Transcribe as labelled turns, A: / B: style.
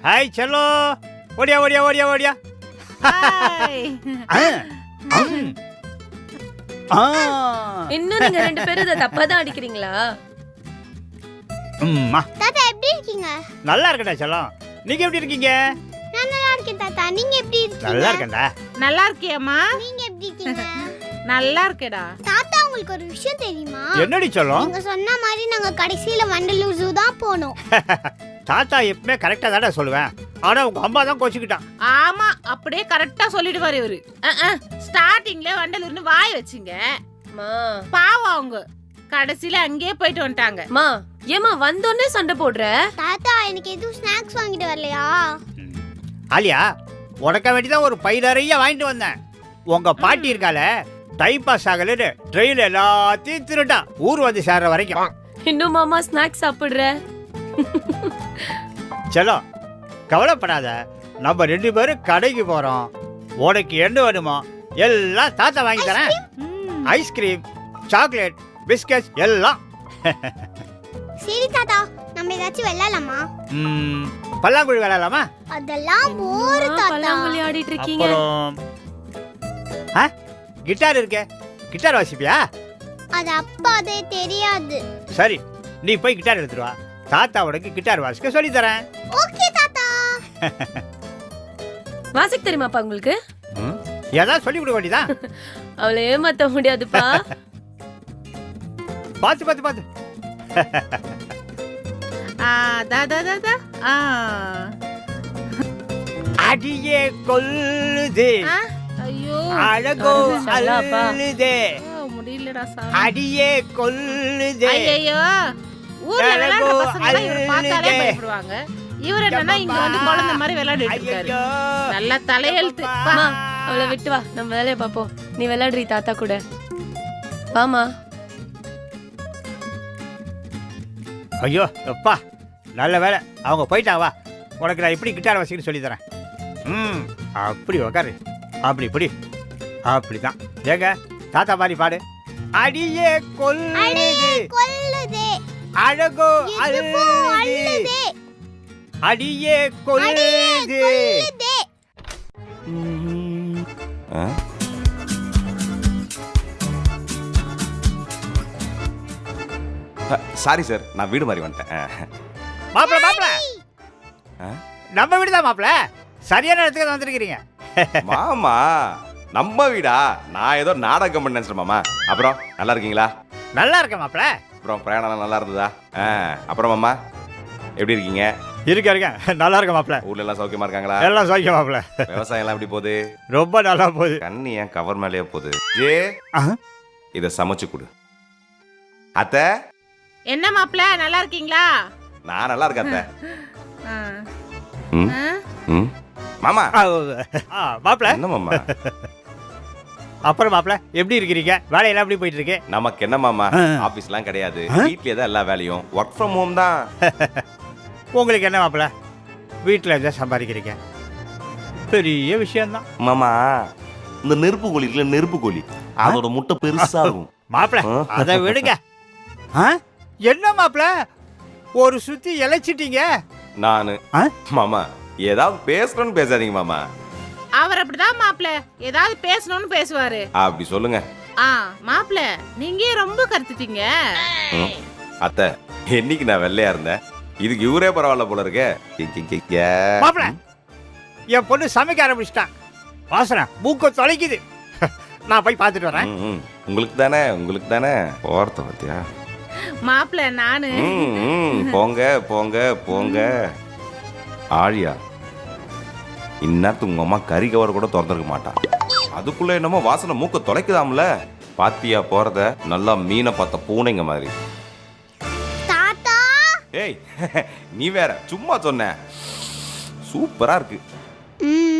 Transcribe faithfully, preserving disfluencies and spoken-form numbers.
A: Hi Cello, ஓடியா ஓடியா ஓடியா ஓடியா.
B: இன்னும் நீங்க ரெண்டு பேரும் இத தப்பா தான் அடிக்கிறீங்களா?
A: அம்மா
C: தாத்தா எப்படி இருக்கீங்க?
A: நல்லா இருக்கடா செல்லம். நீங்க எப்படி இருக்கீங்க?
C: நான் நல்லா இருக்கேன் தாத்தா. நீங்க எப்படி இருக்கீங்க?
A: நல்லா இருக்கேன்டா.
D: நல்லா இருக்கியாம்மா?
C: நீங்க எப்படி இருக்கீங்க?
D: நல்லா இருக்கேடா.
C: தாத்தா உங்களுக்கு ஒரு விஷயம் தெரியுமா?
A: என்னடி செல்லம்?
C: நீங்க சொன்ன மாதிரி நாங்க கடைசியில வண்டலூர் ஜூ தான் போனோம்.
A: தாத்தா எப்பவுமே கரெக்டா தானே சொல்லுவேன். ஆனா உங்க அம்மா தான் கோச்சிக்கிட்டான்.
D: ஆமா, அப்படியே கரெக்டா சொல்லிடுவாரு இவரு. ஸ்டார்டிங்ல வண்டலூர்னு வாய் வச்சுங்க.
B: மா
D: பாவம் அவங்க கடைசியில அங்கேயே போயிட்டு வந்துட்டாங்க.
B: மா ஏமா வந்தோடனே சண்டை போடுற?
C: தாத்தா எனக்கு எதுவும் ஸ்நாக்ஸ் வாங்கிட்டு வரலையா?
A: ஆலியா, உனக்க வேண்டிதான் ஒரு பை நிறைய வாங்கிட்டு வந்தேன். உங்க பாட்டி இருக்கால, டைம் பாஸ் ஆகலன்னு ட்ரெயின் எல்லாத்தையும் திருட்டா ஊர் வந்து சேர்ற வரைக்கும்.
B: இன்னும் மாமா ஸ்நாக்ஸ் சாப்பிடுற?
A: செல்லோ, கவலைப்படாத. நம்ம ரெண்டு பேரும் கடைக்கு போறோம். உனக்கு என்ன வேணுமோ எல்லாம் தாத்தா வாங்கி தரேன். ஐஸ்கிரீம், சாக்லேட், பிஸ்கட் எல்லாம்.
C: சரி தாத்தா, நம்ம ஏதாச்சும் விளையாடலாமா?
A: ம், பல்லாங்குழி விளையாடலாமா?
C: அதெல்லாம் போர் தாத்தா.
B: பல்லாங்குழி ஆடிட்டு இருக்கீங்க.
A: அப்புறம் ஆ, கிட்டார் இருக்கே, கிட்டார் வாசிப்பியா?
C: அது அப்பாதே தெரியாது.
A: சரி, நீ போய் கிட்டார் எடுத்துட்டு வா. தாத்தா உனக்கு கிட்டார் வாசிக்க சொல்லி தரேன்.
C: ஓகே தாத்தா.
B: வாசிக்க தெரியுமாப்பா உங்களுக்கு?
A: ஏதாவது சொல்லி கொடுக்க வேண்டியதான்.
B: அவளை ஏமாத்த முடியாதுப்பா.
A: பாத்து பாத்து பாத்து.
D: ஆ, தா, தா, தா, தா. ஆ.
A: அடியே கொல்லுதே,
D: ஆ, ஐயோ
A: அழகோ
B: சல்லாப்பா.
A: அல்லுதே,
D: ஆ, முடியலடா சாமி.
A: அடியே கொல்லுதே.
D: ஐயோ, ஊர்ல விளையாடுற பசங்க எல்லாம் இவரை பார்த்தாலே
A: அழுதே.
D: பயப்படுவாங்க. இவர் என்னன்னா இங்க வந்து குழந்தை மாதிரி விளையாடிட்டு இருக்காரு.
A: ஐயோ,
D: நல்ல தலையெழுத்து.
B: மா அவளை விட்டு வா, நம்ம வேலையை பாப்போம். நீ விளையாடுறீ தாத்தா கூட. வாமா.
A: ஐயோ அப்பா, நல்ல வேலை அவங்க போயிட்டா. வா, உனக்கு நான் இப்படி கிட்டார் வாசிக்கன்னு சொல்லி தரேன். ம், அப்படி உக்காரு, அப்படி இப்படி அப்படிதான். ஏங்க தாத்தா மாதிரி பாடு. அடியே கொல்லுதே,
C: கொல்லுதே,
A: அழகோ
C: இடுப்போ
A: அல்லுதே,
C: அள்ளுதே,
A: அடியே கொல்லுதே.
C: கொல்லுதே.
E: சாரி சார், நான் வீடு மாதிரி வந்துட்டேன்.
A: மாப்பிள மாப்பிள, நம்ம வீடுதான் மாப்பிள. சரியான இடத்துக்கு தான் வந்திருக்கிறீங்க.
E: மாமா, நம்ம வீடா? நான் ஏதோ நாடகம் பண்ண நினைச்சேன் மாமா. அப்புறம் நல்லா இருக்கீங்களா?
A: நல்லா இருக்க மாப்பிள.
E: அப்புறம் பிரயாணம் நல்லா இருந்ததா? ஆ, அப்புறம் மாமா எப்படி இருக்கீங்க?
A: இருக்க இருக்க நல்லா இருக்க மாப்பிள.
E: ஊர்ல எல்லாம் சௌக்கியமா இருக்காங்களா?
A: எல்லாம் சௌக்கியம் மாப்பிள.
E: விவசாயம் எல்லாம் எப்படி போகுது?
A: ரொம்ப நல்லா போகுது.
E: கண்ணி ஏன் கவர் மேலேயே போகுது? ஏ, இத சமைச்சு கொடு. அத்தை,
D: என்ன மாப்பிள, நல்லா இருக்கீங்களா?
E: நான் நல்லா இருக்கேன் அத்தை.
D: ஆ.
E: ம்,
D: ஆ?
E: ம். மாமா,
A: ஆ, மாப்பிள.
E: என்ன மாமா?
A: அப்புறம் மாப்பிள எப்படி இருக்கிறீங்க? வேலையெல்லாம் எப்படி போயிட்டு இருக்கு?
E: நமக்கு என்ன மாமா, ஆபீஸ்லாம் கிடையாது. வீட்லயே தான் எல்லா வேலையும். ஒர்க் ஃப்ரம் ஹோம் தான்.
A: உங்களுக்கு என்ன மாப்பிள, வீட்டில் இருந்தால் சம்பாதிக்கிறீங்க, பெரிய விஷயம்தான்.
E: மாமா, இந்த நெருப்பு கோழி இருக்குல்ல, நெருப்பு கோழி, அதோட முட்டை பெருசா இருக்கும்.
A: மாப்பிள அதை விடுங்க. ஆ? என்ன மாப்பிள ஒரு சுத்தி இழைச்சிட்டீங்க?
E: நானு
A: ஆ?
E: மாமா, ஏதாவது பேசணும்னு பேசாதீங்க மாமா.
D: அவர் அப்படிதான் மாப்பிள, ஏதாவது பேசணும்னு பேசுவாரு.
E: அப்படி சொல்லுங்க.
D: ஆ, மாப்பிள நீங்க ஏன் ரொம்ப கருத்துட்டீங்க?
E: ம். அத்தை, என்னைக்கு நான் வெள்ளையா இருந்தேன், இதுக்கு இவரே பரவாயில்ல போல இருக்கே. கி, கி, கி, கி.
A: மாப்பிள, என் பொண்ணு சமைக்க ஆரம்பிச்சிட்டான். வாசனை மூக்க தொலைக்குது. நான் போய் பார்த்துட்டு வரேன்.
E: ம், ம். உங்களுக்கு தானே, உங்களுக்கு தானே. போறத பத்தியா?
D: மாப்பிள நானு
E: ம், ம். போங்க போங்க போங்க. ஆழியா, இந்நேரத்துக்கு உங்க அம்மா கறி கவர் கூட திறந்துருக்க மாட்டான். அதுக்குள்ள என்னமோ வாசனை மூக்க தொலைக்குதாம்ல. பாத்தியா போறத? நல்லா மீனை பார்த்த பூனைங்க மாதிரி.
C: தாத்தா,
E: ஏய், நீ வேற சும்மா சொன்ன. சூப்பரா இருக்கு.